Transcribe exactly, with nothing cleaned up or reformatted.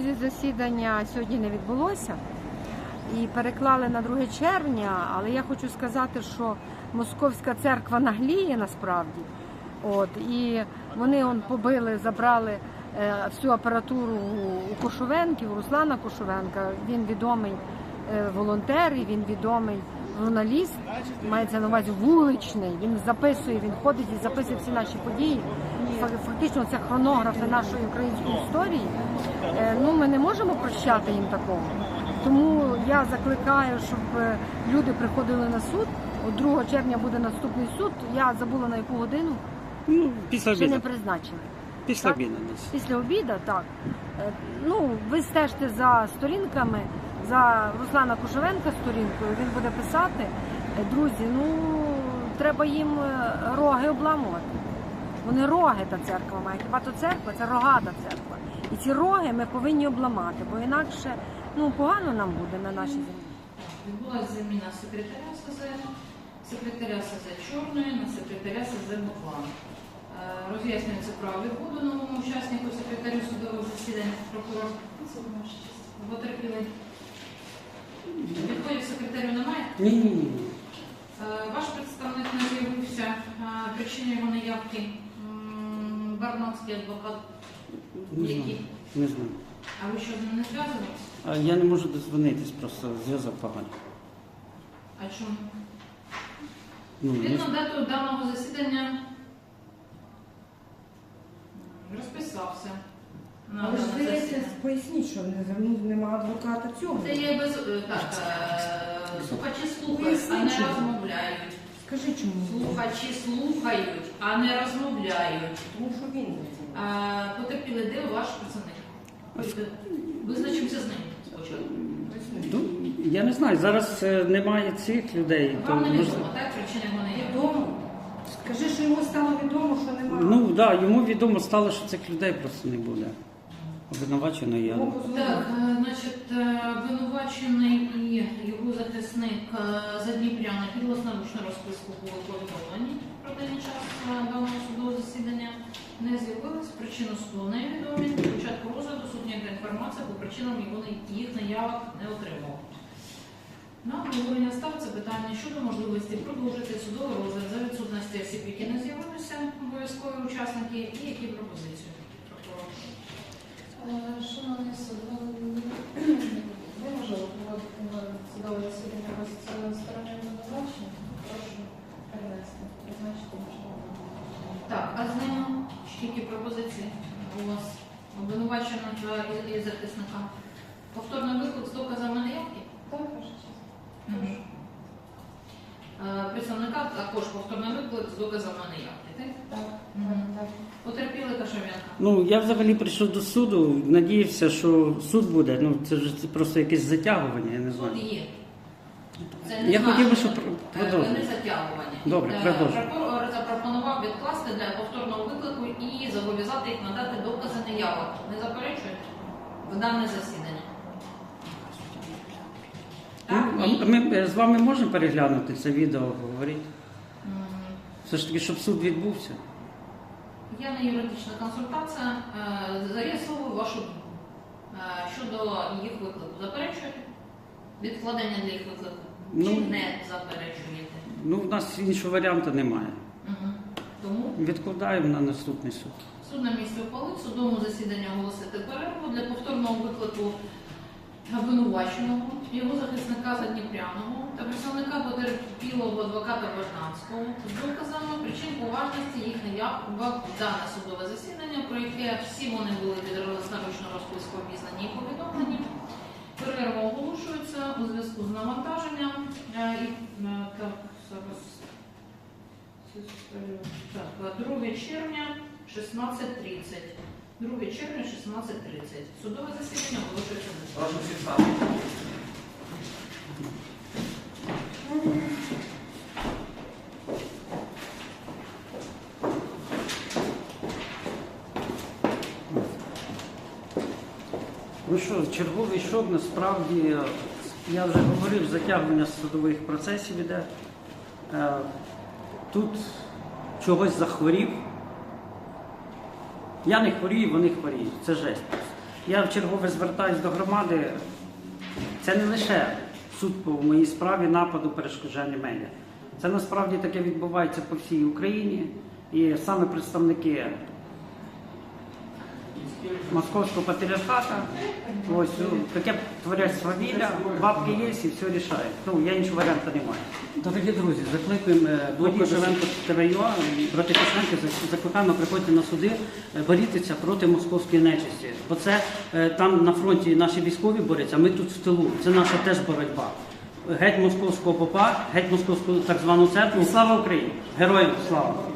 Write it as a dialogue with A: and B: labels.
A: друзі, засідання сьогодні не відбулося і переклали на друге червня, але я хочу сказати, що Московська церква нагліє насправді. От, і вони он, побили, забрали е, всю апаратуру у Кошовенків, у Руслана Кошовенка. Він відомий е, волонтер, і він відомий журналіст, мається на увазі вуличний. Він записує, він ходить і записує всі наші події. Фактично це хронографи нашої української історії. Е, ну, ми не можемо прощати їм такого. Тому я закликаю, щоб люди приходили на суд. От другого червня буде наступний суд. Я забула на яку годину.
B: Ну, після
A: Ще
B: обіду.
A: не призначили.
B: Після
A: Так?
B: обіду десь.
A: Після обіду, так. Е, Ну, ви стежте за сторінками, за Руслана Кошовенка сторінкою, він буде писати. Е, Друзі, ну, треба їм е, роги обламувати. Вони роги, та церква має. Хіба то церква, це рогата церква. І ці роги ми повинні обламати, бо інакше, ну, погано нам буде на нашій землі.
C: Відбулася заміна секретаря СЗ, секретаря СЗ Чорної на секретаря СЗ Буклан. Роз'яснюється право відбуду новому учаснику секретарю судового засідання прокурор. Потерпілий. Відходів секретарю немає?
B: Ні, ні, ні.
C: Ваш представник не з'явився. Причина його неявки м, Барнавський адвокат.
B: Не знаю.
C: Який?
B: Не знаю.
C: А ви що, з ним не зв'язувалися?
B: А я не можу дозвонитись, просто зв'язок поганий.
C: А чому?
B: Ну, не
C: Відповідно
B: знаю.
C: дату даного засідання розписався. на
D: Але ж
C: дане
D: здається,
C: засідання.
D: поясніть, що не звернув, нема адвоката цього.
C: Це є без е, так, е, слухачі слухають, а
D: Поясніть,
C: не
D: чому.
C: розмовляють.
D: Скажи, чому?
C: Слухачі слухають, а не розмовляють.
D: Тому що він не знає.
C: А, потерпіли, де ваш представник? Визначимося з ним спочатку.
B: Ну, я не знаю, зараз е, немає цих людей. то
C: Вам не
B: може-
C: відомо, так? Причина його не є.
D: Відомо. Скажи, що йому стало відомо, що немає.
B: Ну, так, да, йому відомо стало, що цих людей просто не буде. Обвинувачено я.
D: Йому позвонили.
C: Так, е, значить, е, обвинувачений і його захисник е, Задніпряна під власноручну розписку були повідомлені про даний час е, даного судового засідання. Не з'явились, причину суду невідомі. До початку розгляду суд ніяка інформація по причинам його не- їх наявок не отримав. На обговорення ставиться питання щодо можливості продовжити судовий розгляд за відсутності осіб, які не з'явилися, обов'язкові учасники, і які пропозиції прокурора.
E: Шановний суд, неможливо проводити судове засідання без сторони обвинувачення. Прошу перенести, призначити можливо.
C: Так, а з ним тільки пропозиції у вас обвинуваченого і, і захисника. Повторний виклик з доказами неявки?
E: Так, ваша честь.
C: Мгм. Е, Представника також повторний виклик з доказами неявки, так?
E: Так,
C: Мгм.
E: так, так.
C: Потерпіли Кошовенка.
B: Ну, я взагалі прийшов до суду, надіявся, що суд буде. Ну, це ж це просто якесь затягування, я не знаю.
C: Суд є. Це не
B: Я хотів би,
C: значить,
B: щоб
C: е,
B: продовжити.
C: не затягування.
B: Добре,
C: Е,
B: продовжуй.
C: Прокурор запропонував відкласти для повторного виклику і зобов'язати їх надати докази неявок. Не заперечуєте? В дане засідання. Так,
B: Ну,
C: ні?
B: а ми е, з вами можемо переглянути це відео, говорити?
C: М,
B: Все ж таки, щоб суд відбувся.
C: Я не юридична консультація. Е, З'ясовую вашу думку е, щодо їх виклику. Заперечуєте? Відкладення для їх виклику?
B: Ну,
C: Чи не заперечуєте?
B: Ну, в нас іншого варіанту немає.
C: Угу. Тому
B: Відкладаємо на наступний суд.
C: суд на місці ухвалив судовому засіданні оголосити перерву для повторного виклику обвинуваченого, його захисника Задніпряного та представника потерпілого адвоката Божнанського з доказами причин поважності їх неявок в дане судове засідання, про яке всі вони були під власноручну розписку обізнані і повідомлені. Перерва оголошується у зв'язку з навантаженням. Е, і, е, Так, зараз. Так, друге червня, шістнадцять тридцять. друге червня, шістнадцять тридцять. Судове засідання оголошується.
F: Прошу всіх стати.
B: Ну що, черговий шок, насправді, я вже говорив, затягування судових процесів іде. Е, Тут чогось захворів. Я не хворію, вони хворіють. Це жесть. Я вчергове звертаюся до громади. Це не лише суд по моїй справі нападу перешкоджання медіа. Це насправді таке відбувається по всій Україні. І саме представники Московського патріархату, ось ну, таке творять свавілля, бабки є і все рішають. Ну, я іншого варіанту не маю. Дорогі друзі, закликуємо блок Кошеленко ТВЮА, брати Кошеленко, закликаємо приходьте на суди, борітися проти московської нечисті. Бо це е, там на фронті наші військові борються, а ми тут в тилу. Це наша теж боротьба. Геть московського попа, геть московську так звану церкву. Слава Україні! Героям слава!